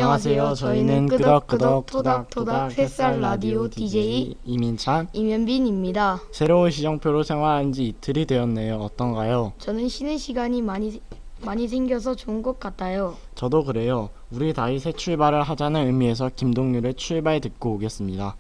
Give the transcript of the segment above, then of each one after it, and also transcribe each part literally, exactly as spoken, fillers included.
안녕하세요. 저희는 끄덕끄덕 토닥토닥 햇살 라디오 디제이 이민찬, 임현빈입니다. 새로운 시정표로 생활한 지 이틀이 되었네요. 어떤가요? 저는 쉬는 시간이 많이 많이 생겨서 좋은 것 같아요. 저도 그래요. 우리 다시 새 출발을 하자는 의미에서 김동률의 출발 듣고 오겠습니다.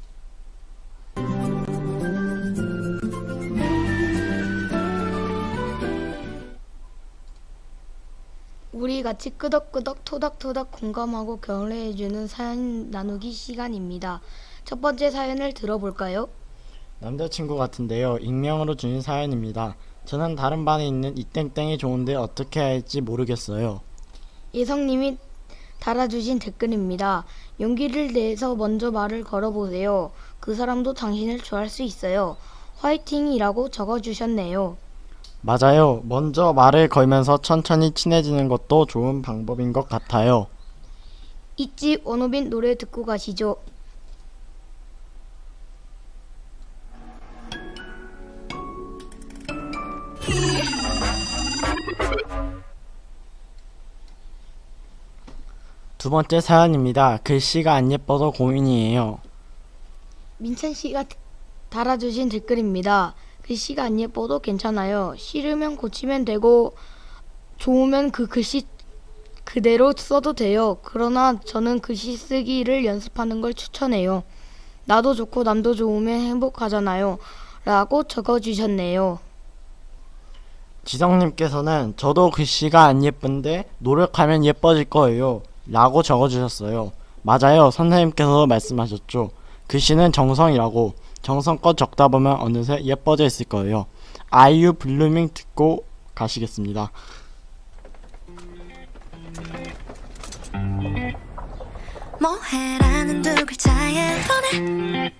우리 같이 끄덕끄덕 토닥토닥 공감하고 격려해주는 사연 나누기 시간입니다. 첫 번째 사연을 들어볼까요? 남자친구 같은데요. 익명으로 주신 사연입니다. 저는 다른 반에 있는 이땡땡이 좋은데 어떻게 해야 할지 모르겠어요. 예성님이 달아주신 댓글입니다. 용기를 내서 먼저 말을 걸어보세요. 그 사람도 당신을 좋아할 수 있어요. 화이팅이라고 적어주셨네요. 맞아요. 먼저 말을 걸면서 천천히 친해지는 것도 좋은 방법인 것 같아요. 있지 원호빈 노래 듣고 가시죠. 두 번째 사연입니다. 글씨가 안 예뻐서 고민이에요. 민찬 씨가 달아주신 댓글입니다. 글씨가 안 예뻐도 괜찮아요. 싫으면 고치면 되고 좋으면 그 글씨 그대로 써도 돼요. 그러나 저는 글씨 쓰기를 연습하는 걸 추천해요. 나도 좋고 남도 좋으면 행복하잖아요. 라고 적어주셨네요. 지성님께서는 저도 글씨가 안 예쁜데 노력하면 예뻐질 거예요. 라고 적어주셨어요. 맞아요. 선생님께서 말씀하셨죠. 글씨는 정성이라고. 정성껏 적다 보면 어느새 예뻐져 있을 거예요. 아이유 블루밍 듣고 가시겠습니다. 뭐해라는 두 글자에 보내.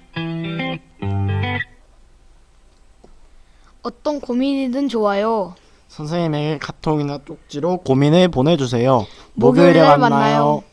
어떤 고민이든 좋아요. 선생님에게 카톡이나 쪽지로 고민을 보내주세요. 목요일에 목요일에 만나요. 만나요.